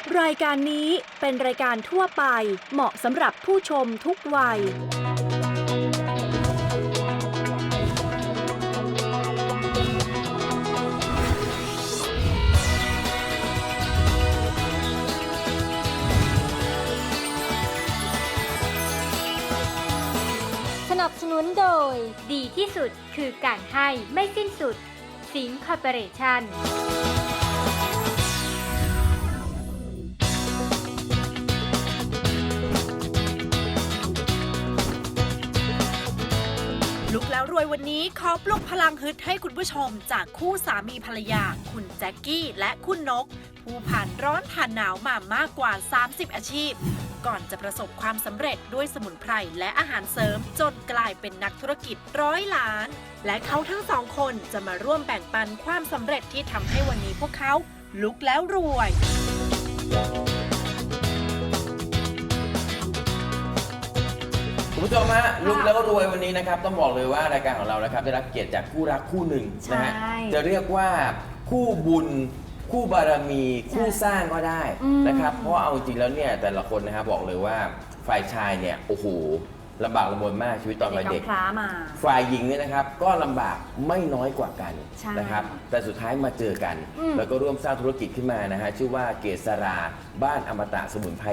รายการนี้เป็นรายการทั่วไปเหมาะสำหรับผู้ชมทุกวัยสนับสนุนโดยดีที่สุดคือการให้ไม่สิ้นสุดสิงห์คอร์ปอเรชั่นลุกแล้วรวยวันนี้ขอปลุกพลังฮึดให้คุณผู้ชมจากคู่สามีภรรยาคุณแจ็คกี้และคุณนกผู้ผ่านร้อนผ่านหนาวมามากกว่า 30 อาชีพก่อนจะประสบความสำเร็จด้วยสมุนไพรและอาหารเสริมจนกลายเป็นนักธุรกิจ100 ล้าน และเขาทั้งสองคนจะมาร่วมแบ่งปันความสำเร็จที่ทำให้วันนี้พวกเขาลุกแล้วรวยคุณผู้ชมฮะลุกแล้วก็รวยวันนี้นะครับต้องบอกเลยว่ารายการของเรานะครับได้รับเกียรติจากคู่รักคู่หนึ่งนะฮะจะเรียกว่าคู่บุญคู่บารมีคู่สร้างก็ได้นะครับเพราะเอาจริงแล้วเนี่ยแต่ละคนนะครับบอกเลยว่าฝ่ายชายเนี่ยโอ้โหลำบากลำบนมากชีวิตตอนวัยเด็กฝ่ายหญิงเนี่ยนะครับก็ลำบากไม่น้อยกว่ากันนะครับแต่สุดท้ายมาเจอกันแล้วก็ร่วมสร้างธุรกิจขึ้นมานะฮะชื่อว่าเกษราบ้านอมตะสมุนไพร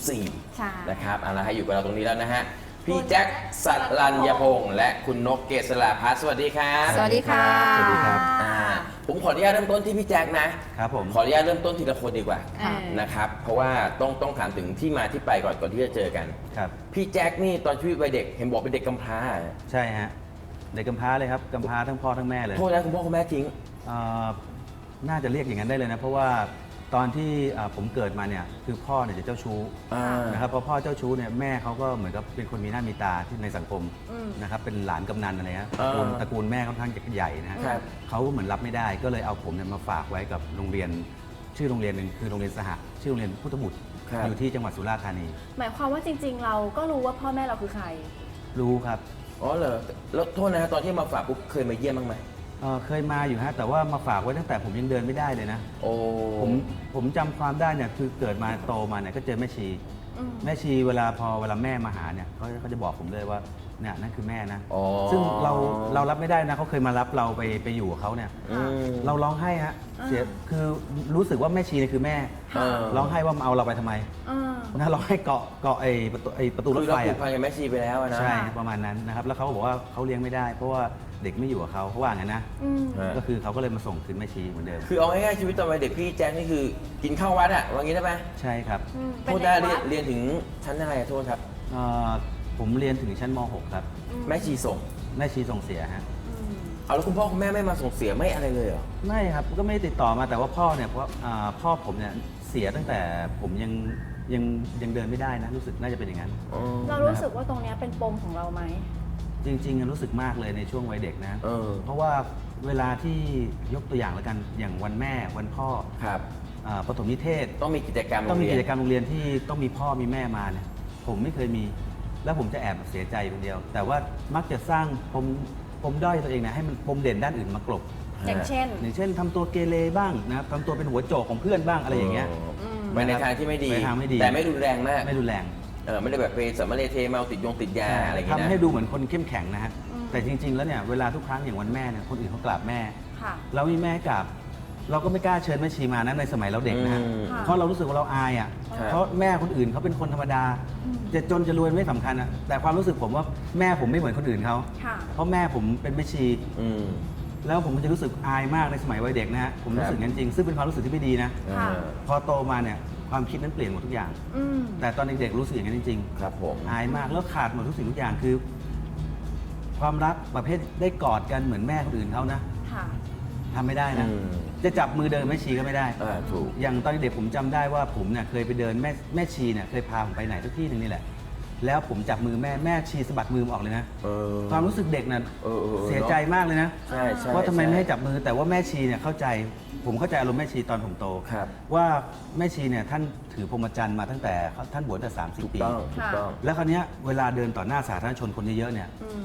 24 นะครับเอาละให้อยู่กับเราตรงนี้แล้วนะฮะพี่แจ็คสัตรัญญพงษ์และคุณนกเกษราพัฒน์สวัสดีครับสวัสดีค่ะสวัสดีครับผมขออนุญาตเริ่มต้นที่พี่แจ็คนะครับผมขออนุญาตเริ่มต้นทีละคนดีกว่านะครับเพราะว่าต้องถามถึงที่มาที่ไปก่อนที่จะเจอกันครับพี่แจ็คนี่ตอนชีวิตวัยเด็กเห็นบอกเป็นเด็กกำพร้าใช่ฮะเด็กกำพร้าเลยครับกำพร้าทั้งพ่อทั้งแม่เลยโทษนะคุณพ่อคุณแม่ทิ้งน่าจะเรียกอย่างนั้นได้เลยนะเพราะว่าตอนที่ผมเกิดมาเนี่ยคือพ่อเนี่ยจะเจ้าชู้นะครับพอพ่อเจ้าชู้เนี่ยแม่เขาก็เหมือนกับเป็นคนมีหน้ามีตาที่ในสังคมนะครับเป็นหลานกำนันอะไรฮะตระกูลแม่ค่อนข้างจะใหญ่นะเขาเหมือนรับไม่ได้ก็เลยเอาผมเนี่ยมาฝากไว้กับโรงเรียนชื่อโรงเรียนหนึ่งคือโรงเรียนสหชื่อโรงเรียนพุทธบุตรอยู่ที่จังหวัดสุราษฎร์ธานีหมายความว่าจริงๆเราก็รู้ว่าพ่อแม่เราคือใครรู้ครับอ๋อเหรอแล้วโทษนะฮะตอนที่มาฝากปุ๊บเคยมาเยี่ยมบ้างไหมเคยมาอยู่ฮะแต่ว่ามาฝากไว้ตั้งแต่ผมยังเดินไม่ได้เลยนะโอ้ผมจำความได้เนี่ยคือเกิดมาโตมาเนี่ยก็เจอแม่ชีเวลาแม่มาหาเนี่ยเขาจะบอกผมเลยว่าเนี่ยนั่นคือแม่นะซึ่งเรารับไม่ได้นะเขาเคยมารับเราไปอยู่กับเขาเนี่ยเราร้องไห้ฮะเสียคือรู้สึกว่าแม่ชีเนี่ยคือแม่ร้องไห้ว่ามาเอาเราไปทำไมนะร้องไห้เกาะไอ้ประตูรถไฟผูกพันกับแม่ชีไปแล้วนะใช่ประมาณนั้นนะครับแล้วเขาบอกว่าเขาเลี้ยงไม่ได้เพราะว่าเด็กไม่อยู่กับเขาว่างั้นนะก็คือเขาก็เลยมาส่งคืนแม่ชีเหมือนเดิมคือเอาง่ายๆชีวิตตอนวัยเด็กพี่แจ็คนี่คือกินข้าววัดอะว่างี้ได้ไหมใช่ครับโทษได้เรียนถึงชั้นอะไรโทษครับผมเรียนถึงชั้นม .6 ครับแม่ชีส่งเสียฮะเอาแล้วคุณพ่อคุณแม่ไม่มาส่งเสียไม่อะไรเลยเหรอไม่ครับก็ไม่ติดต่อมาแต่ว่าพ่อเนี่ยเพราะพ่อผมเนี่ยเสียตั้งแต่ผมยังเดินไม่ได้นะรู้สึกน่าจะเป็นอย่างนั้นเรารู้สึกว่าตรงนี้เป็นปมของเราไหมจริงๆรู้สึกมากเลยในช่วงวัยเด็กนะเพราะว่าเวลาที่ยกตัวอย่างแล้วกันอย่างวันแม่วันพ่อครับประถมนิเทศต้องมีกิจกรรมโรงเรียนที่ต้องมีพ่อมีแม่มาเนี่ยผมไม่เคยมีแล้วผมจะแอบเสียใจคนเดียวแต่ว่ามักจะสร้างปมด้อยตัวเองนะให้มันปมเด่นด้านอื่นมากลบอย่างเช่นทำตัวเกเรบ้างนะครับทำตัวเป็นหัวโจกของเพื่อนบ้างอะไรอย่างเงี้ยไปในทางที่ไม่ดีแต่ไม่รุนแรงมากไม่รุนแรงไม่ได้แบบไปสมเลเทเมาติดยาอะไรอย่างเงี้ยทำให้ดูเหมือนคนเข้มแข็งนะฮะแต่จริงๆแล้วเนี่ยเวลาทุกครั้งอย่างวันแม่เนี่ยคนอื่นเขากราบแม่เรามีแม่กราบเราก็ไม่กล้าเชิญแม่ชีมานะในสมัยเราเด็กนะฮะเพราะเรารู้สึกว่าเราอายอ่ะเพราะแม่คนอื่นเขาเป็นคนธรรมดาจะจนจะรวยไม่สำคัญอ่ะแต่ความรู้สึกผมว่าแม่ผมไม่เหมือนคนอื่นเขาเพราะแม่ผมเป็นแม่ชีแล้วผมจะรู้สึกอายมากในสมัยวัยเด็กนะฮะผมรู้สึกงั้นจริงซึ่งเป็นความรู้สึกที่ไม่ดีนะพอโตมาเนี่ยความคิดนั้นเปลี่ยนหมดทุกอย่างแต่ตอนเด็กๆรู้สึกอย่างนั้นจริงๆครับผมอายมากแล้วขาดหมดทุกสิ่งทุกอย่างคือความรักประเภทได้กอดกันเหมือนแม่คนอื่นเขานะทำไม่ได้นะจะจับมือเดินแม่ชีก็ไม่ได้ถูกอย่างตอนเด็กผมจำได้ว่าผมเนี่ยเคยไปเดินแม่ชีเนี่ยเคยพาผมไปไหนสักที่หนึ่งนี่แหละแล้วผมจับมือแม่ชีสะบัดมือออกเลยนะความรู้สึกเด็กนั้นเสียใจมากเลยนะว่าทำไมไม่ให้จับมือแต่ว่าแม่ชีเนี่ยเข้าใจผมเข้าใจอารมณ์แม่ชีตอนผมโตว่าแม่ชีเนี่ยท่านถือพรหมจรรย์มาตั้งแต่ท่านบวชแต่30 ปีแล้วคราวนี้เวลาเดินต่อหน้าสาธารณชนคนเยอะๆเนี่ย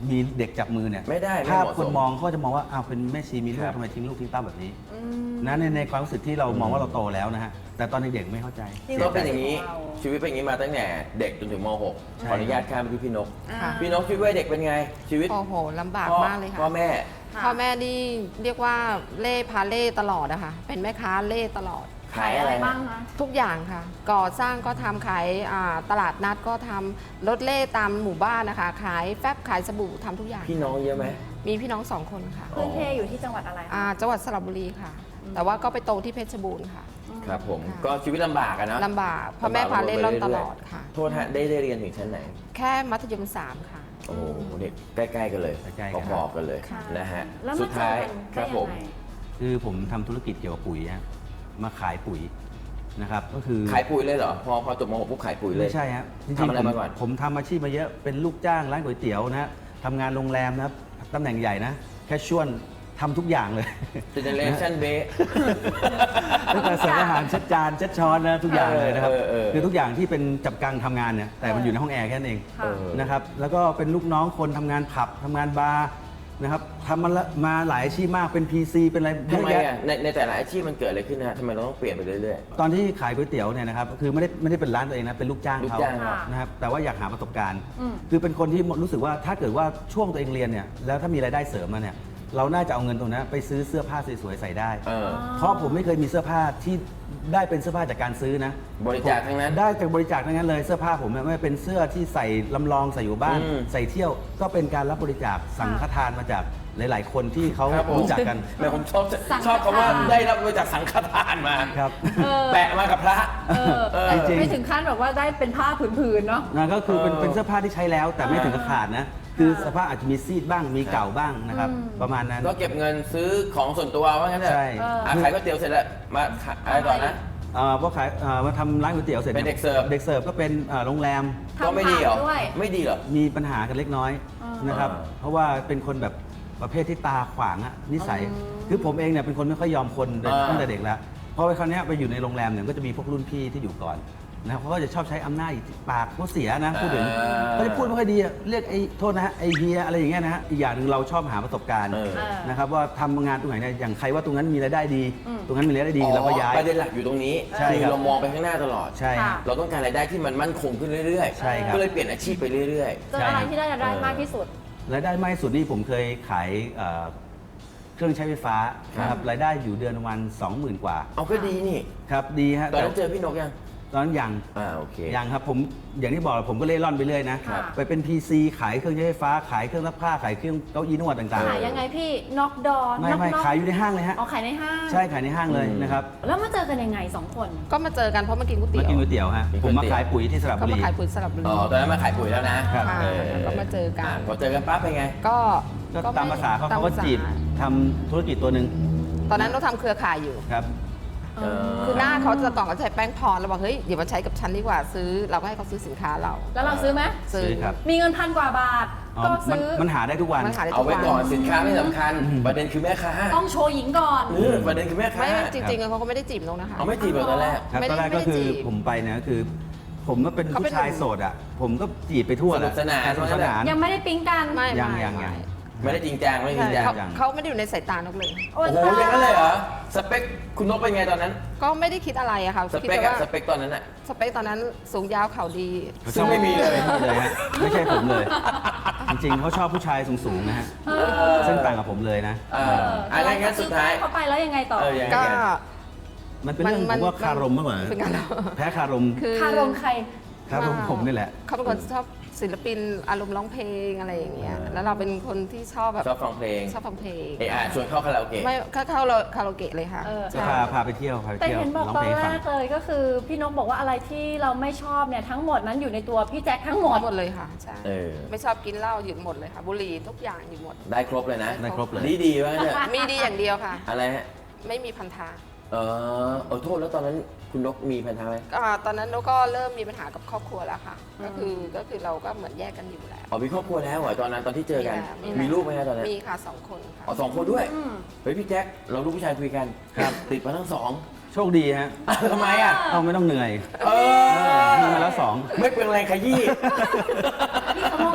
มีเด็กจับมือเนี่ยไม่ได้ไม่ถ้าเหมาะสมคนมองเขาจะมองว่าอ้าวเป็นแม่ชีมีลูคกรับทำไมทิ้งลูกทิ้งเต้าแบบนี้นะในความรู้สึกที่เรามองว่าเราโตแล้วนะฮะแต่ตอนเด็กๆไม่เข้าใจก็เป็นอย่างนี้ชีวิตเป็นอย่างนี้มาตั้งแต่เด็กจนถึงม .6 ขออนุญาตข้ามไปที่พี่นกค่ะพี่นกชีวิตวัยเด็กเป็นไงชีวิตโอ้โหลำบากมากเลยค่ะพ่อแม่พ่อแม่นี่เรียกว่าเล่พาเล่ตลอดอะค่ะเป็นแม่ค้าเล่ตลอดขายอะไรบ้างคะทุกอย่างค่ะ ก่อสร้างก็ทำขายตลาดนัดก็ทำรถเล่ตามหมู่บ้านนะคะ ขายแฟบขายสบู่ทำทุกอย่างพี่น้องเยอะไหมมีพี่น้อง2 คนค่ะพื้นเพอยู่ที่จังหวัดอะไรคะจังหวัดสระบุรีค่ะ แต่ว่าก็ไปโตที่เพชรบูรณ์ค่ะครับผมค่ะก็ชีวิตลำบากอะนะลำบากพ่อแม่พาเล่ร่อนตลอดค่ะโทษฮะได้เรียนถึงชั้นไหนแค่มัธยม 3 ค่ะโอ้โหเนี่ยใกล้ๆกันเลยใกล้ๆกันพอๆกันเลยค่ะนะฮะแล้วสุมาดเจท้าอย กันคได้รับยัผงมไงคือผมทำธุรกิจเกี่ยวกับปุ๋ยฮะมาขายปุ๋ยนะครับก็คือขายปุ๋ยเลยเหรอ พอจบม .6 ปุ๊บขายปุ๋ยเลยไม่ใช่ฮะจริงทำอะไรๆมาก่อนผมทำอาชีพมาเยอะเป็นลูกจ้างร้านก๋วยเตี๋ยวนะฮะทำงานโรงแรมนะครับตำแหน่งใหญ่นะแค่ชวนทำทุกอย่างเลย Generation B ตั้งแต่เสิร์ฟอาหารเช็ดจานเช็ดช้อนนะทุกอย่างเลยนะครับเออคือทุกอย่างที่เป็นจับกังทำงานเนี่ยแต่มันอยู่ในห้องแอร์แค่นั้นเองค่ะนะครับแล้วก็เป็นลูกน้องคนทำงานผับทำงานบาร์นะครับทำมาหลายอาชีพมากเป็น PC เป็นอะไรเยทำอะไมแยะอ่ะในแต่ละอาชีพมันเกิดอะไรขึ้นนะฮะทำไมเราต้องเปลี่ยนไปเรื่อยตอนที่ขายก๋วยเตี๋ยวเนี่ยนะครับคือไม่ได้เป็นร้านตัวเองนะเป็นลูกจ้างลูกเขาจ้างเขานะครับแต่ว่าอยากหาประสบการณ์อืมคือเป็นคนที่รู้สึกว่าถ้าเกิดว่าช่วงตัวเองเรียนเนี่ยแล้วถ้ามีรายได้เสริมมาเนี่ยเราน่าจะเอาเงินตรงนั้นไปซื้อเสื้อผ้าสวยๆใส่ได้เออเพราะผมไม่เคยมีเสื้อผ้าที่ได้เป็นเสื้อผ้าจากการซื้อนะบริจาคทั้งนั้นได้จากบริจาคทั้งนั้นเลยเสื้อผ้าผมเนี่ยไม่ว่าเป็นเสื้อที่ใส่ลำลองใส่อยู่บ้านอืมใส่เที่ยวก็เป็นการรับบริจาคสังฆทานมาจากหลาย ๆ คนที่เขาครับผมรู้จักกันแม่ผมชอบคำว่าได้รับมาจากสังฆทานมาครับแปะมากับพระเออจริงๆไม่ถึงขั้นแบบว่าได้เป็นผ้าผืนๆเนาะนะก็คือเป็นเออเป็นเสื้อผ้าที่ใช้แล้วแต่ไม่ถึงกับขาดนะ คือสภาพอาจจะมีซีดบ้างมีเก่าบ้างนะครับ ประมาณนั้นก็เก็บเงินซื้อของส่วนตัวว่างั้นเถอะใช่ขายก๋วยเตี๋ยวเสร็จแล้วมาขายอะไรต่อนะพอขายมาทำร้านก๋วยเตี๋ยวเสร็จเป็นเด็กเสิร์ฟเด็กเสิร์ฟก็เป็นโรงแรมทำก็ไม่ดีเหรอผักด้วยไม่ดีเหรอมีปัญหากันเล็กน้อยนะครับอ่าเพราะว่าเป็นคนแบบประเภทที่ตาขวางอะนิสัย คือผมเองเนี่ยเป็นคนไม่ค่อยยอมคนตั้งแต่เด็กแล้วพอไปคราวเนี้ยไปอยู่ในโรงแรมเนี่ยก็จะมีพวกรุ่นพี่ที่อยู่ก่อนนะครับเขาก็จะชอบใช้อำนาจปากเขาเสียนะพูดถึงเขาจะพูดไม่ค่อยดีอะเรียกไอ้โทษนะฮะไอ้เฮียอะไรอย่างเงี้ยนะฮะอีกอย่างหนึ่งเราชอบหาประสบการณ์เออนะครับว่าทำงานตรงไหนเนี่ยอย่างใครว่าตรงนั้นมีรายได้ดี ตรงนั้นมีรายได้ดีเราก็ย้ายประเด็นหลักอยู่ตรงนี้ใช่คือครับเรามองไปข้างหน้าตลอดใช่ครับเราต้องการรายได้ที่มันมั่นคงขึ้นเรื่อยๆใช่ครับก็เลยเปลี่ยนอาชีพไปเรื่อยเจออะไรที่ได้รายได้มากที่สุดรายได้มากที่สุดนี่ผมเคยขายเครื่องใช้ไฟฟ้านะครับรายได้อยู่เดือนประมาณ 20,000 กว่าๆ เอาก็ดีนี่ครับดีฮะตอนนั้นเจอพี่นกยังตอนนั้นยังโอเคยังครับผมอย่างที่บอกผมก็เล่ร่อนไปเรื่อยนะครับ ไปเป็น PC ขายเครื่องใช้ไฟฟ้า ขายเครื่องซักผ้าขายเครื่องเก้าอี้นวดต่างขายยังไงพี่น็อกดอๆ ไม่ขายอยู่ในห้างเลยฮะอ๋อขายในห้างใช่ขายในห้างเลยนะครับแล้วมาเจอกันยังไงสองคนก็มาเจอกันเพราะมากินก๋วยมาเตี๋ยวกินก๋วยเตี๋ยวฮะกินก๋ผวยมเตี๋ยวมาขายปุ๋ยที่สระก็บุมารีขายปุ๋ยสระบุรีอ๋อตอนนั้นมาขายปุ๋ยแล้วนะครับค่ะ แล้วก็มาเจอกันพอเจอกันปั๊บเป็นไงก็ก็ตามภาษาเขาเขาก็จีบทำธุรกิจตัวหนึ่งตอนนั้นเราทำเครือข่ายอยู่ครับคือหน้าเขาจะก่อนก็ใช้แป้งพรเราบอกเฮ้ยเดี๋ยวมาใช้กับฉันดีกว่าซื้อเราก็ให้เขาซื้อสินค้าเราแล้วเราซื้อไหมซื้อครับมีเงิน1,000 กว่าบาทอ๋อก็มันซื้อมันหาได้ทุกวันมันขายได้เอาทุกไว้วันก่อนสินค้าไม่สำคัญ ประเด็นคือแม่ค้าต้องโชว์หญิงก่อนประเด็นคือแม่ค้าไม่จริงๆเขาก็ไม่ได้จีบนกนะคะเอาไม่จีบเราตอนแรกครับไม่ตได้อนแรกก็คือไม่ได้จีบผมไปเนี่ยก็คือ ผมก็เป็นเขาเป็นผู้ชายโสดอ่ะผมก็จีบไปทั่วแหละสนุกสนานสนุกสนานยังไม่ได้ปิ๊งกันไม่ยังไม่ยังไม่ไม่ได้จริงจังไม่ได้จริงจังเขาเขาไม่ได้อยู่ในสายตานกเลยโอ้โอ้โหอย่างนั้นเลยเหรอ สเปคคุณนกเป็นไงตอนนั้นก็ไม่ได้คิดอะไรอะค่ะสคิดเปคแต่อะว่าสเปคตอนนั้นอะสเปคตอนนั้นสูงยาวเข่าดีซึ่งไม่มีเลยไม่เลยฮะไม่ใช่ผมเลย จริงๆเขาชอบผู้ชายสูงๆนะฮะซึ่งต่างกับผมเลยนะอะไรงั้นสุดท้ายเข้าไปแล้วยังไงต่อยังไงก็กันมันเป็นเรื่องผมว่าคารมมากกว่าเป็นการแพ้คารมคือคารมใครคารมผมนี่แหละเขาเป็นคนชอบศิลปินอารมณ์ร้องเพลงอะไรอย่างเงี้ยแล้วเราเป็นคนที่ชอบแบบชอบฟังเพลงชอบฟังเพลงชวนเข้าคาราโอเกะไม่เข้าคาราโอเกะเลยค่ะเออใช่พาไปเที่ยวพาไปแต่เที่ยวเห็นบอกร้องตอเพลนงแรฟังกเลยก็คือพี่นกบอกว่าอะไรที่เราไม่ชอบเนี่ยทั้งหมดนั้นอยู่ในตัวพี่แจ็คทั้งหมดหมดเลยค่ะใช่เออไม่ชอบกินเหล้าหยุดหมดเลยค่ะบุหรี่ทุกอย่างหยุดหมดได้ครบเลยนะได้ครบเลยดีว่าเนี่ยมีดีอย่างเดียวค่ะอะไรฮะไม่มีพันธะโทษแล้วตอนนั้นคุณนกมีพันธะไหมตอนนั้นเราก็เริ่มมีปัญหากับครอบครัวแล้วค่ะ ก็คือเราก็เหมือนแยกกันอยู่แล้วมีครอบครัวแล้วเหรอตอนนั้นตอนที่เจอกันมีแล้วมีลูกไหมฮะตอนนั้นมีค่ะ2 คนค่ะอ๋อ2 คนด้วย เฮ้ยพี่แจ็คเราลูกผู้ชายคุยกันครับติดมาทั้งสองโชคดีฮะทำไมอ่ะเอาไม่ต้องเหนื่อยเออมีมาแล้วสองไม่เป็นไรขยี้นี่เขามองลบบวก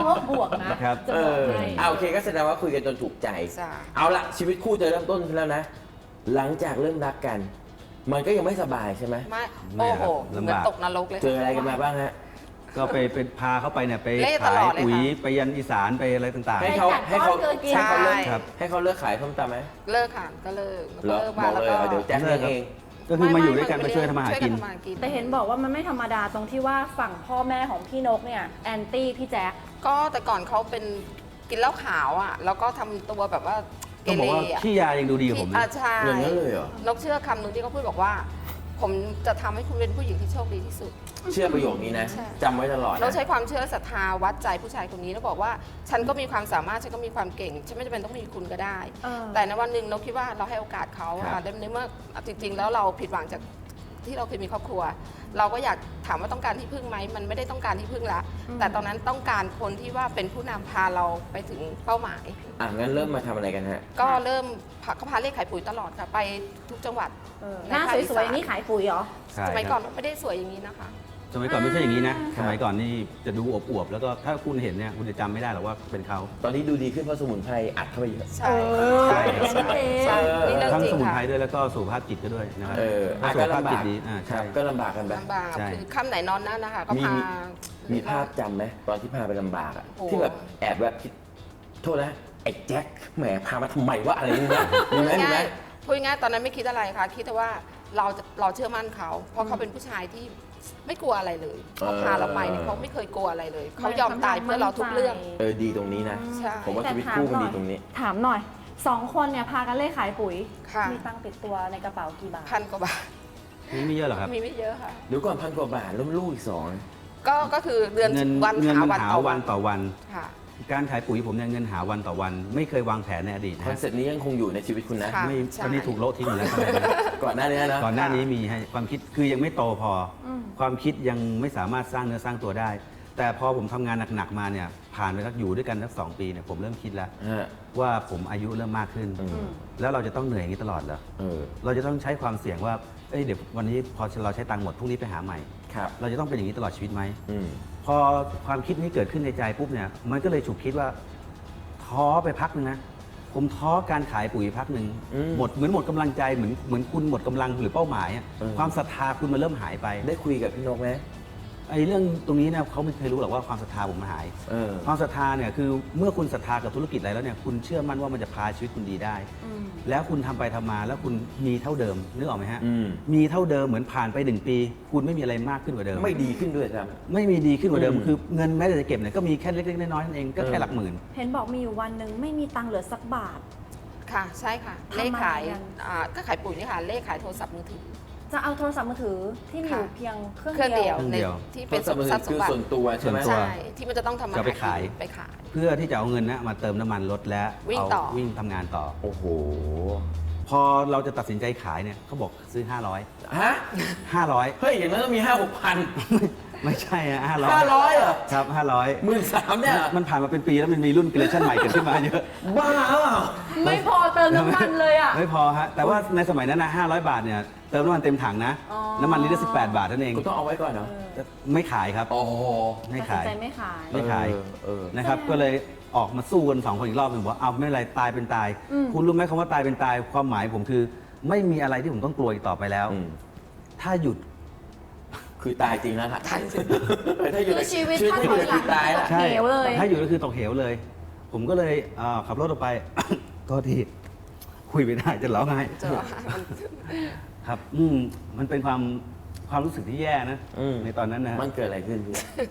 กนะครับ จะเอบอกอให้โอเคก็แสดงว่าคุยกันจนถูกใจใช่เอาละชีวิตคู่จะเริ่มต้นขึ้นแล้วนะ หลังจากเริ่มรักกัน มันก็ยังไม่สบายใช่ไหมไม่ไม่โอ้ครัโหบเหมือนลำบากตกนรกเลยเจออะไรกันมาบ้างฮะก็ไปเป็นพาเขาไปเนี่ยไปเล่ตขาลอย ดเลยปุ๋ยค่ะไปยันอีสานไปอะไรต่างให้เขาให้ให้กัดเขาก้อนเกินกินให้เขาเลิกใช่ครับให้เขาเลิกขายส้มตำไหมเลิกค่ะก็เลิกเหรอเลิกบมาอกแล้วเลยก็เดี๋ยวแจ็คเลี้ยงเองๆ ก็คือมาอยู่ด้วยกันมาช่วยทำมาหากินช่วยทำมาหากินแต่เห็นบอกว่ามันไม่ธรรมดาตรงที่ว่าฝั่งพ่อแม่ของพี่นกเนี่ยแอนตี้พี่แจ๊คก็แต่ก่อนเขาเป็นกินเหล้าขาวอ่ะแล้วก็ทำตัวแบบว่าเกต้องบเรอกว่าอ่ะขี้ยายังดูดีกว่าผมอ่ะนะใช่อย่างนั้นเลยเหรอนกเชื่อคำหนึ่งที่เขาพูดบอกว่า ผมจะทำให้คุณเป็นผู้หญิงที่โชคดีที่สุดเชื่อประโยคนี้นะใช่จำไว้ตลอดนะเราใช้ความเชื่อและศรัทธาวัดใจผู้ชายคนนี้แล้วบอกว่าฉันก็มีความสามารถฉันก็มีความเก่งฉันไม่จำเป็นต้องมีคุณก็ได้ แต่ในวันหนึ่งนกคิดว่าเราให้โอกาสเขาครับในเมื่อจริง ๆ แล้วเราผิดหวังจากที่เราเคยมีครอบครัว เราก็อยากถามว่าต้องการที่พึ่งไหมมันไม่ได้ต้องการที่พึ่งละแต่ตอนนั้นต้องการคนที่ว่าเป็นผู้นำพาเราไปถึงเป้าหมายงั้นเริ่มมาทำอะไรกันฮะก็เริ่มเขาพาเลขขายปุ๋ยตลอดค่ะไปทุกจังหวัดหน้าสวยๆอย่างนี้ขายปุ๋ยเหรอใช่สมัยคก่อรันบไม่ได้สวยอย่างนี้นะคะสมัยก่อนไม่ใช่อย่างนี้นะครับสมัยก่อนนี่จะดูอวบๆแล้วก็ถ้าคุณเห็นเนี่ยคุณจะจำไม่ได้หรอกว่าเป็นเขาตอนนี้ดูดีขึ้นเพราะสมุนไพรอัดเข้าไปเยอะใช่ใช่อย่างนั้นเองใช่นี่เรื่องทั้งจริงสมุนค่ะไพรด้วยแล้วก็สุขภาพจิตก็ด้วยนะครับอ่ะสุขก็ภาพลำจิบาตกดีครัใช่บก็ลำบากกันไปลำบากใช่คือค่ำไหนนอนนั่นนะคะก็มีพามีภาพจำไหมตอนที่พาไปลำบากอะโอ้ที่แบบแอบแบบคิดโทษนะไอ้แจ็คแหมพามาทำไมวะอะไรอย่างเงี้ยมีไหมมีไหมพูดง่ายๆตอนนั้นไม่คิดอะไรค่ะ คิดแต่ว่าเราเชื่อมั่นเขา เพราะเขาเป็นผู้ชายที่ไม่กลัวอะไรเลยเขาพาเราไปเนี่ยเขาไม่เคยกลัวอะไรเลย เขายอมตายเพื่อเราทุกเรื่องดีตรงนี้นะใช่ผมว่าชีวิตคู่มันดีตรงนี้ถามหน่อย2 คนเนี่ยพากันเล่ขายปุ๋ยค่ะมีตังค์ติดตัวในกระเป๋ากี่บาท 1,000 กว่าบาทนี่ไม่เยอะหรอกครับมีไม่เยอะค่ะเดี๋ยวก่อน1,000 กว่าบาทแล้วลูกอีก2 ก็คือเดือนเงินวันเงินหามันวันหาต่อวัวัน นต่อวันค่ะการขายปุ๋ยผมเนี่ยเงินหาวันต่อวัน ไม่เคยวางแผนในอดีตนะคอนฮะเซ็ปต์นี้ยังคงอยู่ในชีวิตคุณนะค่ะไม่ใช่ตอนนี้ถูกโละทิ้งหมดแล้วก่อนหน้านี้นะก่อนหน้านี้มีให้ความคิดคือยังไม่โตพออความคิดยังไม่สามารถสร้างเนื้อสร้างตัวได้ แต่พอผมทำงานหนักๆมาเนี่ยผ่านไปสักอยู่ด้วยกันสัก2 ปีเนี่ยผมเริ่มคิดแล้วฮะว่าผมอายุเริ่มมากขึ้น แล้วเราจะต้องเหนื่อยอย่างนี้ตลอดเหรอเออเราจะต้องใช้ความเสี่ยงว่าเอ้ยเดี๋ยววันนี้พอเราใช้ตังค์หมดพรุ่งนี้ไปหาใหม่ครับเราจะต้องเป็นอย่างนี้ตลอดชีวิตไหมอืมพอความคิดนี้เกิดขึ้นในใจปุ๊บเนี่ยมันก็เลยฉุกคิดว่าท้อไปพักนึงนะผมท้อการขายปุ๋ยพักหนึ่งอืมหมดเหมือนหมดกำลังใจเหมือนคุณหมดกำลังหรือเป้าหมายอะเออความศรัทธาคุณมันเริ่มหายไปได้คุยกับพี่นกไหมไอ้เรื่องตรงนี้เนี่ยเขาไม่เคยรู้หรอกว่าความศรัทธาผมมันหายเออความศรัทธาเนี่ยคือเมื่อคุณศรัทธากับธุรกิจอะไรแล้วเนี่ยคุณเชื่อมั่นว่ามันจะพาชีวิตคุณดีได้ แล้วคุณทำไปทำมาแล้วคุณมีเท่าเดิมนึกออกไหมฮะอืมมีเท่าเดิมเหมือนผ่านไป1 ปี คุณไม่มีอะไรมากขึ้นกว่าเดิมไม่ดีขึ้นด้วยครับไม่มีดีขึ้นกว่าเดิมอืมคือเงินแม้แต่จะเก็บเนี่ยก็มีแค่เล็กๆน้อยๆนั่นเองก็แค่หลักหมื่นเห็นบอกมีอยู่วันหนึ่งไม่มีตังค์เหลือสักบาทค่ะใช่ค่ะทำอะไรเลขขายกันก็ขายปุ๋ยนี่ค่ะเลขขายโทรศัพท์มือถือจะเอาโทรศัพท์มือถือที่มีอยู่ค่ะเพียงเครื่องเครื่องเดียวเครื่องเดียวที่เป็นโทรศัพท์มือถือทรัพย์สคืมอบัติส่วนตัวใช่ไหมส่วนตัวใช่ที่มันจะต้องทำมาจะไปขายไปขายเพื่อที่จะเอาเงินนะมาเติมน้ำมันรถและวิ่งเอาต่อวิ่งทำงานต่อโอ้โหพอเราจะตัดสินใจขายเนี่ยเขาบอกซื้อฮะ 500 เฮ้ย อย่างนั้นต้องมี 5-6,000 ไม่ใช่อะ500 500เหรอครับ500 13,000เนี่ยเหรอมันผ่านมาเป็นปีแล้วมันมีรุ่นเกรชั่นใหม่เกิดขึ้นมาเยอะบ้าเปล่าไม่พอเติมน้ำมันเลยอ่ะไม่พอฮะแต่ว่าในสมัยนั้นนะ500 บาทเนี่ยเติมน้ำมันเต็มถังนะอ๋อน้ำมันลิตรละ18 บาทเท่านั้นเองกูต้องเอาไว้ก่อนเนาะไม่ขายครับโอ้โหไม่ตัดสินขายใจไม่ขายไม่ขายเออนะครับก็เลยออกมาสู้กัน2 คนอีกรอบหนึ่งบอกเอาไม่เป็นไรตายเป็นตาย คุณรู้ไหมคำว่าตายเป็นตายความหมายผมคือ ไม่มีอะไรที่ผมต้องกลัวอีกต่อไปแล้วอืมถ้าหยุดคือตายจริงแล้วล่ะถ้าอยู่ในคือชีวิตถ้าอยู่ในถ้าถอยหลังคือตายแล้วใช่เหวเลยถ้าอยู่ก็คือตกเหวเลย ผมก็เลยขับรถออกไป ก็ที่คุยไม่ได้จะร้องไห้เจอมันครับมันเป็นความรู้สึกที่แย่นะอืมในตอนนั้นนะฮะมันเกิดอะไรขึ้นพี่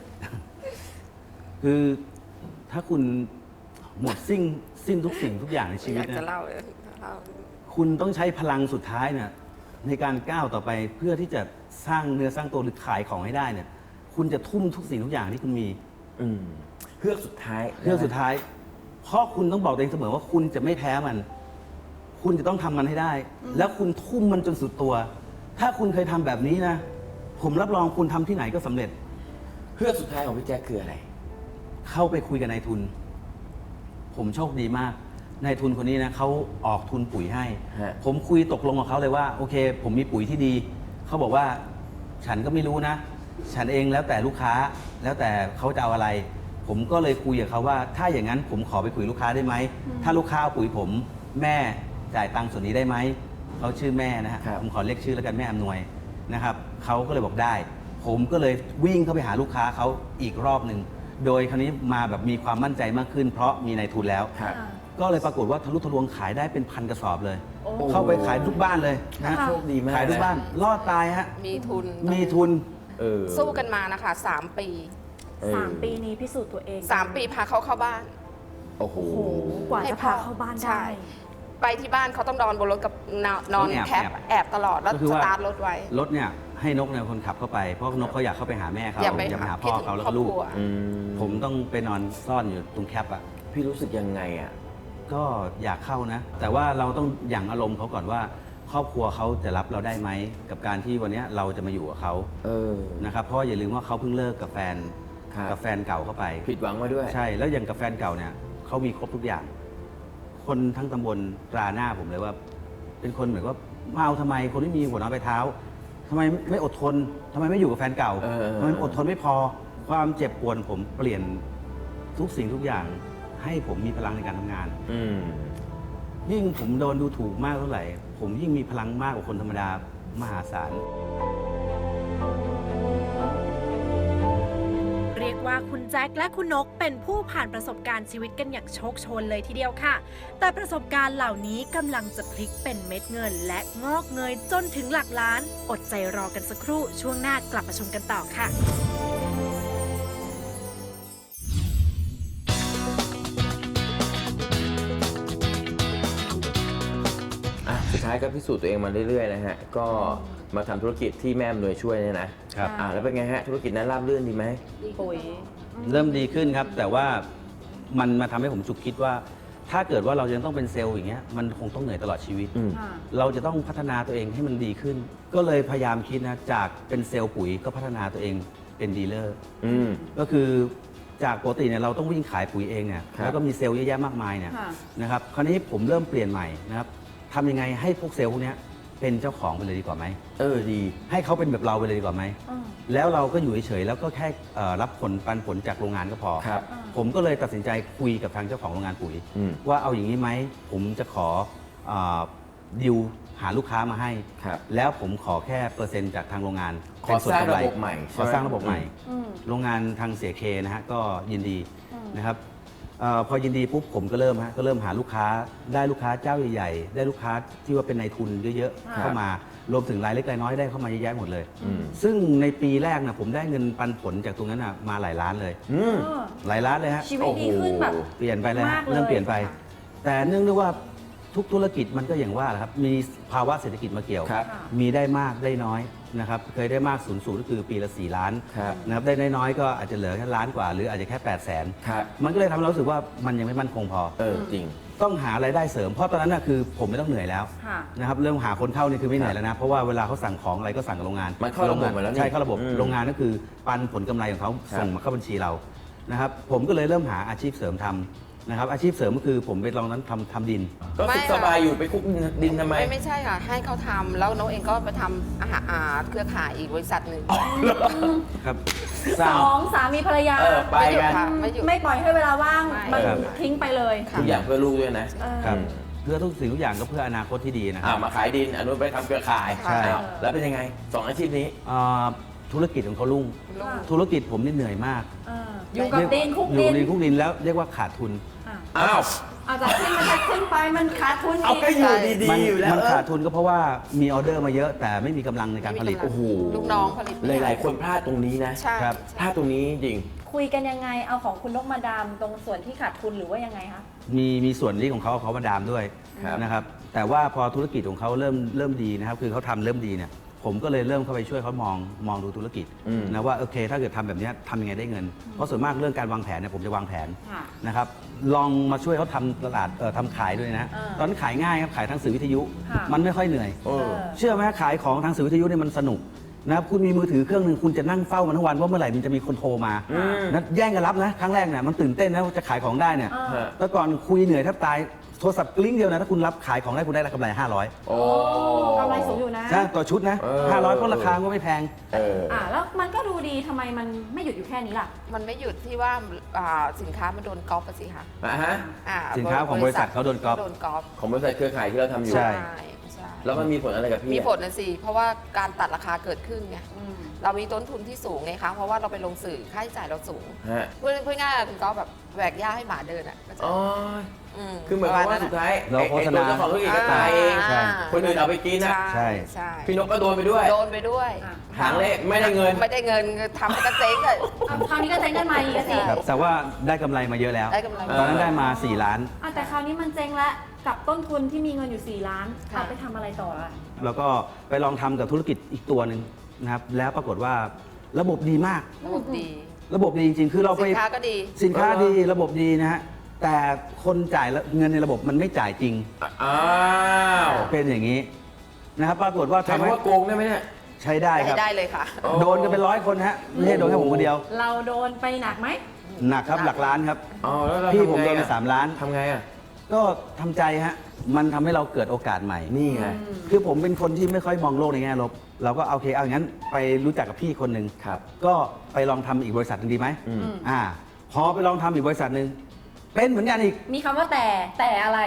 คือถ้าคุณหมดสิ้นทุกสิ่งทุกอย่างในชีอวิตยากจะนะเล่าเลยเล่าคุณต้องใช้พลังสุดท้ายเนี่ยในการก้าวต่อไปเพื่อที่จะสร้างเนื้อสร้างตัวหรือขายของให้ได้เนี่ย คุณจะทุ่มทุกสิ่งทุกอย่างที่คุณมีอืมเฮือกสุดท้ายเรื่องสุดท้าย เพราะคุณต้องบอกตัวเองเสมอว่าคุณจะไม่แพ้มัน คุณจะต้องทำมันให้ได้ แล้วคุณทุ่มมันจนสุดตัว ถ้าคุณเคยทำแบบนี้นะ ผมรับรองคุณทำที่ไหนก็สำเร็จเฮือกสุดท้ายของพี่แจ๊คคืออะไรเข้าไปคุยกับนายทุน ผมโชคดีมาก นายทุนคนนี้นะเขาออกทุนปุ๋ยให้ฮะผมคุยตกลงกับเขาเลยว่า โอเค ผมมีปุ๋ยที่ดี เขาบอกว่าฉันก็ไม่รู้นะ ฉันเองแล้วแต่ลูกค้า แล้วแต่เขาจะเอาอะไรผมก็เลยคุยกับเขาว่าถ้าอย่างนั้นผมขอไปคุยลูกค้าได้ไหมถ้าลูกค้าเอาปุ๋ยผมแม่จ่ายตังค์ส่วนนี้ได้ไหมเขาชื่อแม่นะฮะครับผมขอเรียกชื่อแล้วกันแม่อำนวยนะครับเขาก็เลยบอกได้ ผมก็เลยวิ่งเข้าไปหาลูกค้าเขาอีกรอบหนึ่งโดยคราวนี้มาแบบมีความมั่นใจมากขึ้น เพราะมีนายทุนแล้วครับก็เลยปรากฏว่าทะลุทะลวงขายได้เป็นพันกระสอบเลยโอ้เข้าไปขายทุกบ้านเลยนะโชคดีมากขายทุกบ้านรอดตายฮะมีทุนมีทุนสู้กันมานะคะ3 ปี 3 ปีนี้พิสูจน์ตัวเอง 3 ปีพาเขาเข้าบ้านโอ้โหโอ้โหกว่าจะพาเข้าบ้านใช่ได้ไปที่บ้านเขาต้องนอนบนรถกับนอนต้องแอบแคปแอบตลอดแล้วก็คือสว่าตาร์ทรถไว้รถเนี่ยให้นกเนี่ยคนขับเข้าไปเพราะนกเขาอยากเข้าไปหาแม่เขาอยากไปอยากไปหาพ่อเขาแล้วก็ลูกครอบครัวผมต้องไปนอนซ่อนอยู่ตรงแคปอ่ะพี่รู้สึกยังไงอ่ะก็อยากเข้านะ แต่ว่าเราต้องหยั่งอารมณ์เขาก่อนว่า ครอบครัวเขาจะรับเราได้ไหมกับการที่วันเนี้ยเราจะมาอยู่กับเขา นะครับเพราะว่าอย่าลืมว่าเขาเพิ่งเลิกกับแฟนครับกับแฟนเก่าเข้าไปผิดหวังมาด้วยใช่แล้วอย่างกับแฟนเก่าเนี่ยเขามีครบทุกอย่าง คนทั้งตำบลตราหน้าผมเลยว่า เป็นคนเหมือนว่ามาเอาทำไมคนที่มีหัวนอนไปลายเท้าทำไมไม่อดทนทำไมไม่อยู่กับแฟนเก่าเออทำไมอดทนไม่พอความเจ็บปวดผมเปลี่ยนทุกสิ่งทุกอย่าง ให้ผมมีพลังในการทำงานอืมยิ่งผมโดนดูถูกมากเท่าไหร่ ผมยิ่งมีพลังมากกว่าคนธรรมดามหาศาลเรียกว่าคุณแจ็คและคุณนกเป็นผู้ผ่านประสบการณ์ชีวิตกันอย่างโชคโชนเลยทีเดียวค่ะ แต่ประสบการณ์เหล่านี้กำลังจะพลิกเป็นเม็ดเงิน และงอกเงยจนถึงหลักล้าน อดใจรอกันสักครู่ช่วงหน้ากลับมาชมกันต่อค่ะสุดท้ายก็พิสูจน์ตัวเองมาเรื่อยๆนะฮะ ก็มาทำธุรกิจที่แม่อำนวยช่วยเนี่ยนะครับ แล้วเป็นไงฮะ ธุรกิจนั้นราบรื่นดีไหมปุ๋ยเริ่มดีขึ้นครับ แต่ว่ามันมาทำให้ผมฉุกคิดว่า ถ้าเกิดว่าเรายังต้องเป็นเซลล์อย่างเงี้ยมันคงต้องเหนื่อยตลอดชีวิตอืมเราจะต้องพัฒนาตัวเองให้มันดีขึ้น ก็เลยพยายามคิดนะจากเป็นเซลล์ปุ๋ยก็พัฒนาตัวเองเป็นดีลเลอร์อืมก็คือจากปกติเนี่ยเราต้องวิ่งขายปุ๋ยเองเนี่ยครับแล้วก็มีเซลล์เยอะแยะมากมายเนี่ยค่ะนะครับคราวนี้ผมเริ่มเปลี่ยนใหม่นะครับทำยังไงให้พวกเซลล์พวกเนี้ยเป็นเจ้าของไปเลยดีกว่าไหมดีให้เขาเป็นแบบเราไปเลยดีกว่าไหม แล้วเราก็อยู่เฉยๆแล้วก็แค่รับผลปันผลจากโรงงานก็พอครับผมก็เลยตัดสินใจคุยกับทางเจ้าของโรงงานปุ๋ยอืมว่าเอาอย่างนี้ไหมผมจะขอดิวหาลูกค้ามาให้ครับแล้วผมขอแค่เปอร์เซ็นต์จากทางโรงงานขอสร้างระบบใหม่ขอสร้างระบบใหม่อืมโรงงานทางเสียเคนะฮะก็ยินดีนะครับพอยินดีปุ๊บผมก็เริ่มหาลูกค้าได้ลูกค้าเจ้าใหญ่ๆได้ลูกค้าที่ว่าเป็นนายทุนเยอะๆเข้ามารวมถึงรายเล็กรายน้อยได้เข้ามาเยอะแยะหมดเลยอืมซึ่งในปีแรกนะผมได้เงินปันผลจากตรงนั้นนะมาหลายล้านเลยอืมหลายล้านเลยฮะชีวิตดีขึ้นแบบเปลี่ยนไปเลยมาฮะกเลยเริ่มเปลี่ยนไปค่ะแต่เนื่องด้วยว่าทุกธุรกิจมันก็อย่างว่าแหละครับมีภาวะเศรษฐกิจมาเกี่ยวครับมีได้มากได้น้อยนะครับเคยได้มากสูงสุดก็คือปีละ4 ล้านครับนะครับได้น้อยๆก็อาจจะเหลือแค่ล้านกว่า หรืออาจจะแค่8 0 0 0 0 ครับมันก็เลยทำให้เรารู้สึกว่ามันยังไม่มั่นคงพอจริงต้องหารายได้เสริมเพราะตอนนั้นน่ะคือผมไม่ต้องเหนื่อยแล้วค่ะนะครับเริ่มหาคนเข้านี่คือไม่เหนื่อยแล้วนะเพราะว่าเวลาเขาสั่งของอะไรก็สั่งกับโรงงานมันเข้าระบบหมดแล้วนี่ใช่เข้าระบบอืมโรงงานก็คือปันผลกำไรของเขาครับส่งมาเข้าบัญชีเรานะครับผมก็เลยเริ่มหาอาชีพเสริมทำนะครับอาชีพเสริมก็คือผมไปลองนั้นทำดินก็สุขสบายอยู่ไปคุกดินทำไมไม่ใช่ค่ะ ให้เขาทำแล้วนกเองก็ไปทำอาหารเครือข่ายอีกบริษัทหนึ่งครับสร้างสองสามีภรรยาไปกันค่ะไม่หยุดไม่ปล่อยให้เวลาว่างไม่มันครับทิ้งไปเลยค่ะทุกอย่างเพื่อลูกด้วยนะครับอืมเพื่อทุกสิ่งทุกอย่างก็เพื่ออนาคตที่ดีนะครับมาขายดินอนุไปทำเครือข่ายใช่อ้าวแล้วเป็นยังไงสองอาชีพนี้ธุรกิจของเขารุ่งลูกธุรกิจผมนี่เหนื่อยมากอยู่กับดินคุกอยู่ดินดินคุกดินแล้วเรียกว่าขาดทุนอ้าวอาจจะขึ้นมันจะขึ้นไปมันขาดทุนเอาอีกก็อยู่มัดีๆอยู่แล้วมันขาดทุนก็เพราะว่ามีออเดอร์มาเยอะ แต่ไม่มีกำลังในการผลิตไม่มีกำลังโอ้โหลูกน้องผลิตหลายๆคนพลาดตรงนี้นะใช่ครับพลาดตรงนี้จริงคุยกันยังไงเอาของคุณนกมาดามตรงส่วนที่ขาดทุนหรือว่ายังไงคะมีส่วนที่ของเขามาดามด้วยครับนะครับแต่ว่าพอธุรกิจของเขาเริ่มดีนะครับคือเขาทำเริ่มดีเนี่ยผมก็เลยเริ่มเข้าไปช่วยเขามองดูธุรกิจอืมนะว่าโอเคถ้าเกิดทำแบบเนี้ยทำยังไงได้เงิน เพราะส่วนมากเรื่องการวางแผนเนี่ยผมจะวางแผนค่ะนะครับลองมาช่วยเขาทำตลาดทำขายด้วยนะอ่าตอนนั้นขายง่ายครับขายทางสื่อวิทยุค่ะมันไม่ค่อยเหนื่อยเออเชื่อไหมขายของทางสื่อวิทยุเนี่ยมันสนุกนะครับคุณมีมือถือเครื่องหนึ่งคุณจะนั่งเฝ้ามันทั้งวันว่าเมื่อไหร่มันจะมีคนโทรมาอืมนะแย่งกันรับนะครั้งแรกเนี่ยมันตื่นเต้นนะว่าจะขายของได้เนี่ยอ่าฮะแต่ก่อนคุยเหนื่อยแทบตายโทรศัพท์กลิ้งเดียวนะถ้าคุณรับขายของได้คุณได้กำไร500 โอ้กำไรสูงอยู่นะใช่ต่อชุดนะเออ 500เพราะราคาก็ไม่แพงแล้วมันก็ดูดีทำไมมันไม่หยุดอยู่แค่นี้ล่ะมันไม่หยุดที่ว่าสินค้ามันโดนก๊อปอะสิคะฮะสินค้าของบริษัทเขาโดนก๊อปโดนก๊อปของบริษัทเครือข่ายที่เราทำอยู่ใช่ใช่แล้วมันมีผลอะไรกับพี่มีอะผลนะสิ เพราะว่าการตัดราคาเกิดขึ้นไง เรามีต้นทุนที่สูงไงคะ เพราะว่าเราไปลงสื่อค่าใช้จ่ายเราสูงฮะพูดง่ายๆคุณก็แบบแหวกหญ้าให้หมาเดินอ่ะก็จะอ๋อมคือเหมือนกับว่าสุดท้ายเราโฆษณาไอ้ตัวเจ้าของธุรกิจก็ตายเองใช่คนอื่นเอาไปกินนะใช่ใช่พี่นกก็โดนไปด้วยโดนไปด้วยหางเละไม่ได้เงินไม่ได้เงินทำให้กระเจ๊งเลยคราวนี้ก็เจ๊งกันมาอีกอะสิครับแต่ว่าได้กำไรมาเยอะแล้วได้กำไรตอนนั้นได้มา4 ล้านแต่คราวนี้มันเจ๊งแล้วกับต้นทุนที่มีเงินอยู่4 ล้านค่ะเอาไปทำอะไรต่ออะแล้วก็ไปลองทำกับธุรกิจอีกตัวหนึ่งนะครับแล้วปรากฏว่าระบบดีมากระบบดีระบบดีจริงๆ คือเราไปสินค้าก็ดีสินค้าดีระบบดีนะฮะแต่คนจ่ายเงินในระบบมันไม่จ่ายจริงอ้าวเป็นอย่างนี้นะครับปรากฏว่าใช้ทำให้คำว่าโกงได้ไหมเนี่ยใช้ได้ครับได้เลยค่ะโดนกันเป็น100 คนฮะไม่ใช่โดนแค่ผมคนเดียวเราโดนไปหนักไหมหนักครับหลักล้านครับอ๋อแล้วเราพี่ทำผมไงโดนไปอะ 3 ล้านทำไงอ่ะก็ทำใจฮะมันทำให้เราเกิดโอกาสใหม่นี่ไงคือผมเป็นคนที่ไม่ค่อยมองโลกในแง่ลบ เราก็โอเคเอาอย่างนั้นไปรู้จักกับพี่คนหนึ่งครับก็ไปลองทำอีกบริษัทหนึงดีไหมอืมพอไปลองทำอีกบริษัทหนึ่งเป็นเหมือนกันอีกมีคำว่าแต่อะไร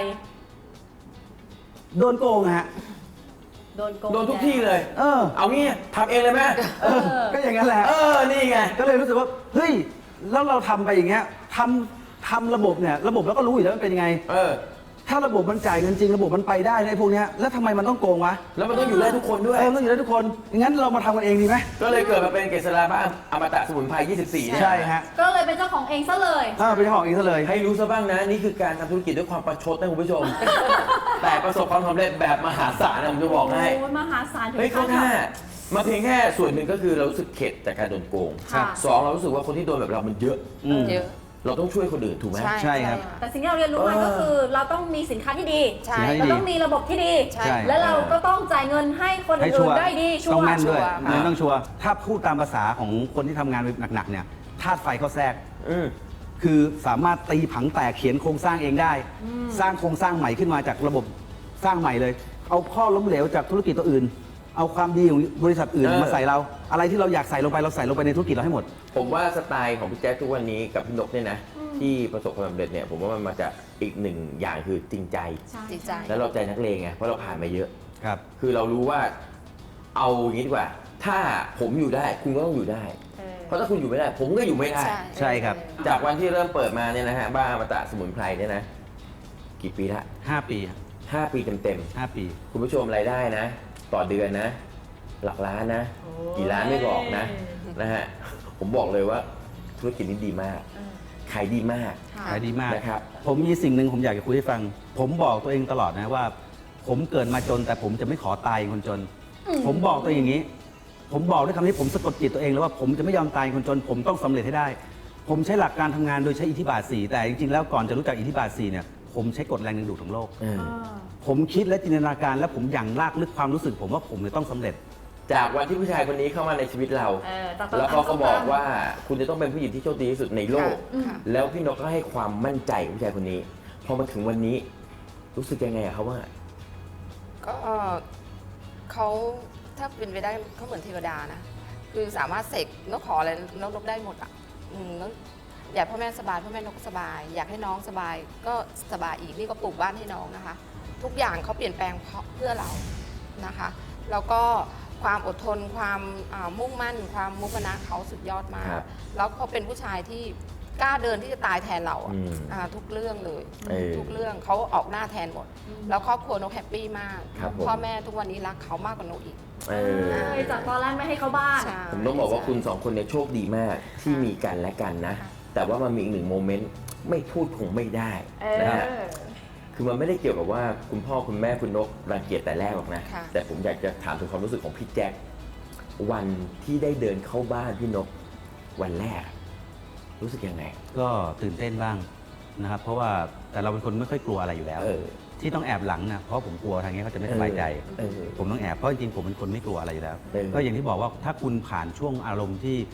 โดนโกงฮะโดนโกงโดนทุกที่เลยเออเอางี้ทำเองเลยไหมก็อย่างนั้นแหละนี่ไงก็เลยรู้สึกว่าเฮ้ยแล้วเราทำไปอย่างเงี้ยทำระบบเนี่ยระบบเราก็รู้อยู่แล้วมันเป็นยังไง ถ้าระบบมันจ่ายเงินจริงระบบมันไปได้ในพวกเนี้ยแล้วทำไมมันต้องโกงวะแล้วมันต้องอยู่ได้ทุกคนด้วยมันต้องอยู่ได้ทุกคนงั้นเรามาทำกันเองดีไหมก็เลยเกิดมาเป็นเกษราบ้านอมตะสมุนไพร 24เนี่ยใช่ฮะก็เลยเป็นเจ้าของเองซะเลยเป็นเจ้าของเองซะเลยให้รู้ซะบ้างนะ นี่คือการทำธุรกิจด้วยความประชดนะคุณผู้ชม แต่ประสบความสำเร็จแบบมหาศาลนะผมจะบอกให้โอ้ยมหาศาลถึงเฮ้ยเขาขั้นแค่มาเพียงแค่ส่วนหนึ่งก็คือเรารู้สึกเข็ดจากการโดนโกงค่ะสองเรารู้สึกว่าคนที่โดนแบบเรามันเยอะเยอะเราต้องช่วยคนอื่นถูกไหมใช่ครับแต่สิ่งที่เราเรียนรู้มาก็คือเราต้องมีสินค้าที่ดีใช่เราต้องมีระบบที่ดีใช่และเราก็ต้องจ่ายเงินให้คนให้ชัอื่วน ร์ได้ดีชัต้องวร์แม่นด้วยชัวร์เงินต้องชัวร์ถ้าพูดตามภาษาของคนที่ทำงานหนักๆเนี่ยธาตุไฟเขาแทรกอืมคือสามารถตีผังแตกเขียนโครงสร้างเองได้ สร้างโครงสร้างใหม่ขึ้นมาจากระบบสร้างใหม่เลย เอาข้อล้มเหลวจากธุรกิจตัวอื่น เอาความดีของบริษัทอื่นมาใส่เรา อะไรที่เราอยากใส่ลงไปเราใส่ลงไปในธุรกิจเราให้หมดผมว่าสไตล์ของพี่แจ๊คทุกวันนี้กับพี่นกเนี่ยนะที่ประสบความสำเร็จเนี่ยผมว่ามันมาจากอีกหนึ่งอย่างคือจริงใจจริงใจแล้วเราใจนักเลงไงเพราะเราผ่านมาเยอะครับคือเรารู้ว่าเอาอย่างนี้ดีกว่า ถ้าผมอยู่ได้คุณก็ต้องอยู่ได้ เพราะถ้าคุณอยู่ไม่ได้ ผมก็อยู่ไม่ได้ใช่ครับจากวันที่เริ่มเปิดมาเนี่ยนะฮะบ้านอมตะสมุนไพรเนี่ยนะกี่ปีละ 5 ปี 5 ปีเต็ม 5 ปีๆคุณผู้ชมรายได้นะ ต่อเดือนนะ หลักล้านนะ กี่ล้านไม่บอกนะฮะผมบอกเลยว่าธุรกิจนี้ดีมากขายดีมากขายดีมากนะครับผมมีสิ่งหนึ่งผมอยากจะคุยให้ฟัง ผมบอกตัวเองตลอดนะว่า ผมเกิดมาจนแต่ผมจะไม่ขอตายเป็นคนจน ผมบอกตัวเองอย่างนี้ ผมบอกด้วยคำนี้ผมสะกดจิตตัวเองแล้วว่าผมจะไม่ยอมตายเป็นคนจน ผมต้องสำเร็จให้ได้ ผมใช้หลักการทำงานโดยใช้อิทธิบาท 4 แต่จริงๆแล้วก่อนจะรู้จักอิทธิบาท 4 เนี่ยผมใช้กฎแรงดึงดูดของโลก ผมคิดและจินตนาการและผมอย่างลากลึกความรู้สึก ผมว่าผมจะต้องสำเร็จจากวันที่ผู้ชายคนนี้เข้ามาในชีวิตเรา แล้วเขาก็บอกว่าคุณจะต้องเป็นผู้หญิงที่โชคดีที่สุดในโลกค่ะแล้วพี่นกก็ให้ความมั่นใจกับผู้ชายคนนี้ พอมาถึงวันนี้ รู้สึกยังไงอะเขาว่าก็เขาถ้าเป็นไปได้เขาเหมือนเทวดานะ คือสามารถเสกนกขออะไรนกได้หมดอ่ะแล้วอยากพ่อแม่สบายพ่อแม่นกก็สบาย อยากให้น้องสบายก็สบายอีกนี่ก็ปลูกบ้านให้น้องนะคะ ทุกอย่างเขาเปลี่ยนแปลงเพื่อเรานะคะ แล้วก็ความอดทนความมุ่งมั่น ความมุขนะเขาสุดยอดมากครับแล้วเขาเป็นผู้ชายที่กล้าเดินที่จะตายแทนเราอะอืมทุกเรื่องเลย ทุกเรื่องเขาออกหน้าแทนหมด แล้วครอบครัวนกแฮปปี้มากครับผมพ่อแม่ทุกวันนี้รักเขามากกว่านกอีกเออจากตอนแรกไม่ให้เขาบ้านใช่ผมต้องบอกว่าคุณสองคนเนี่ยโชคดีมากที่มีกันและกันนะค่ะแต่ว่ามันมีอีกหนึ่งโมเมนต์ไม่พูดคงไม่ได้นะฮะคือมันไม่ได้เกี่ยวกับว่าคุณพ่อคุณแม่คุณนกรังเกียจแต่แรกหรอกนะค่ะแต่ผมอยากจะถามถึงความรู้สึกของพี่แจ็ควันที่ได้เดินเข้าบ้านพี่นกวันแรก รู้สึกยังไงก็ตื่นเต้นบ้างนะครับ เพราะว่าแต่เราเป็นคนไม่ค่อยกลัวอะไรอยู่แล้วเออที่ต้องแอบหลังนะเพราะผมกลัวทางนี้เขาจะไม่สบายใจเออผมต้องแอบเพราะจริงๆผมเป็นคนไม่กลัวอะไรอยู่แล้วเออก็อย่างที่บอกว่าถ้าคุณผ่านช่วงอารมณ์ที่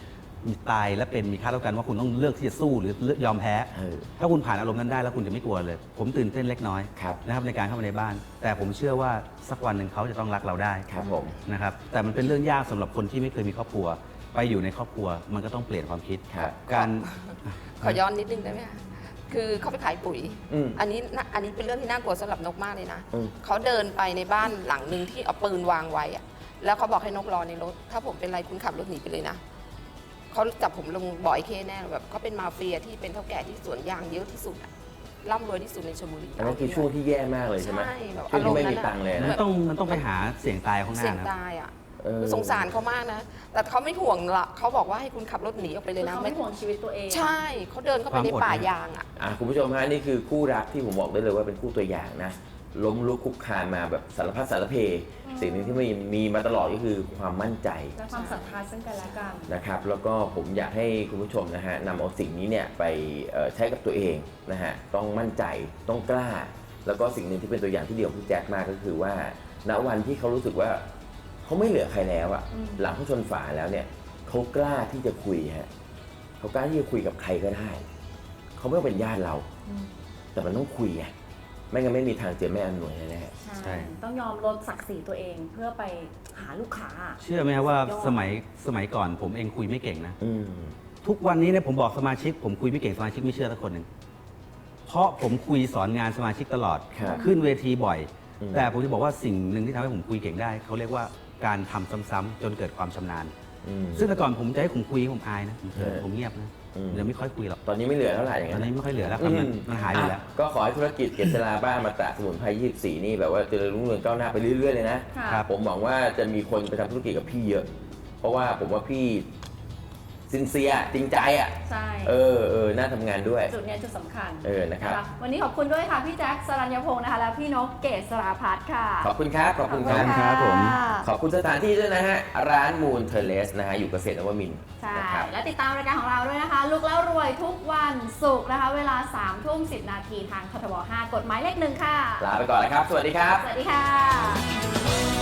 มีตายและเป็นมีค่าเท่ากันว่าคุณต้องเลือกที่จะสู้หรือยอมแพ้ ถ้าคุณผ่านอารมณ์นั้นได้แล้วคุณจะไม่กลัวเลย ผมตื่นเต้นเล็กน้อยนะครับในการเข้ามาในบ้าน แต่ผมเชื่อว่าสักวันหนึ่งเขาจะต้องรักเราได้ครับผมนะครับแต่มันเป็นเรื่องยากสำหรับคนที่ไม่เคยมีครอบครัว ไปอยู่ในครอบครัวมันก็ต้องเปลี่ยนความคิด การขอย้อนนิดนึงได้ไหมคะคือเขาไปขายปุ๋ย อันนี้เป็นเรื่องที่น่ากลัวสำหรับนกมากเลยนะ เขาเดินไปในบ้านหลังหนึ่งที่เอาปืนวางไว้อะแล้วเขาบอกให้นกรอในรถ ถ้าผมเป็นไรคุณขับรถหนีไปเลยนะ เขาจับผมลงบ่อยเคแน่แบบเขาเป็นมาเฟียที่เป็นเท่าแก่ที่สวนยางเยอะที่สุดอะร่ำรวยที่สุดในชลบุรีอันนั้นคือช่วงที่แย่มากเลยใช่ไหมใช่แบบช่วงที่ไม่อารมณ์นั้นมีอะตังค์เลยมันนะต้องไปหาเสี่ยงตายข้างหน้าเสี่ยงนะตายอ่ะคือสงสารเขามากนะ แต่เขาไม่ห่วงละเขาบอกว่าให้คุณขับรถหนีออกไปเลยนะเขาไม่ห่วงชีวิตตัวเองใช่เขาเดินเข้าไปในป่ายางอ่ะคุณผู้ชมฮะนี่คือคู่รักที่ผมบอกได้เลยว่าเป็นคู่ตัวอย่างนะล้มลุกคลุกคลานมาแบบสารพัดสารเพสิ่งหนึ่งที่มีมาตลอดก็คือความมั่นใจและความศรัทธาซึ่งกันและกันนะครับแล้วก็ผมอยากให้คุณผู้ชมนะฮะนำเอาสิ่งนี้เนี่ยไปใช้กับตัวเองนะฮะต้องมั่นใจต้องกล้า แล้วก็สิ่งหนึ่งที่เป็นตัวอย่างที่เดียวพี่แจ็คมากก็คือว่าณวันที่เขารู้สึกว่าเขาไม่เหลือใครแล้วอะหลังเขาชนฝาแล้วเนี่ยเขากล้าที่จะคุยฮะเขากล้าที่จะคุยกับใครก็ได้เขาไม่ต้องเป็นญาติเราแต่มันต้องคุยไงไม่งั้นไม่มีทางเจอแม่อำนวยแน่ใช่ ต้องยอมลดศักดิ์ศรีตัวเองเพื่อไปหาลูกค้าเชื่อไหมครับว่าสมัยก่อนผมเองคุยไม่เก่งนะๆทุกวันนี้เนี่ยผมบอกสมาชิกผมคุยไม่เก่งสมาชิกไม่เชื่อสักคนหนึ่งเพราะผมคุยสอนงานสมาชิกตลอดครับขึ้นเวทีบ่อยอืมแต่ผมจะบอกว่าสิ่งหนึ่งที่ทำให้ผมคุยเก่งได้เขาเรียกว่าการทำซ้ำๆจนเกิดความชำนาญ ซึ่งแต่ก่อนผมจะให้ผมคุยผมอายนะผมเงียบนะเดี๋ยวไม่ค่อยคุยหรอกตอนนี้ไม่เหลือเท่าไหร่อย่างตอนนั้นนี้ไม่ค่อยเหลือแล้วครับมันหายไปแล้วก็ขอให้ธุรกิจเกษราบ้านมาตะสมุนไพร24 นี่แบบว่าเจริญรุ่งเรืองก้าวหน้าไปเรื่อยๆเลยนะค่ะผมหวังว่าจะมีคนไปทำธุรกิจกับพี่เยอะ เพราะว่าผมว่าพี่ซินเซียจริงใจอ่ะใช่น่าทำงานด้วยจุดเนี้ยจุดสำคัญนะครับวันนี้ขอบคุณด้วยค่ะ พี่แจ็คสรัญญพงศ์นะคะ และพี่นกเกษราพัฒน์ค่ะขอบคุณครับ ขอบคุณครับครับผมขอบคุณสถานที่ด้วยนะฮะ ร้านมูนเทเลสนะฮะ อยู่เกษตรนวมินทร์ใช่นะครับและติดตามรายการของเราด้วยนะคะ ลุกแล้วรวยทุกวันศุกร์นะคะ เวลา 3:10 นาทีทางททบ 5 กฎหมายเลข 1 ค่ะลาไปก่อนนะครับ สวัสดีครับสวัสดีค่ะ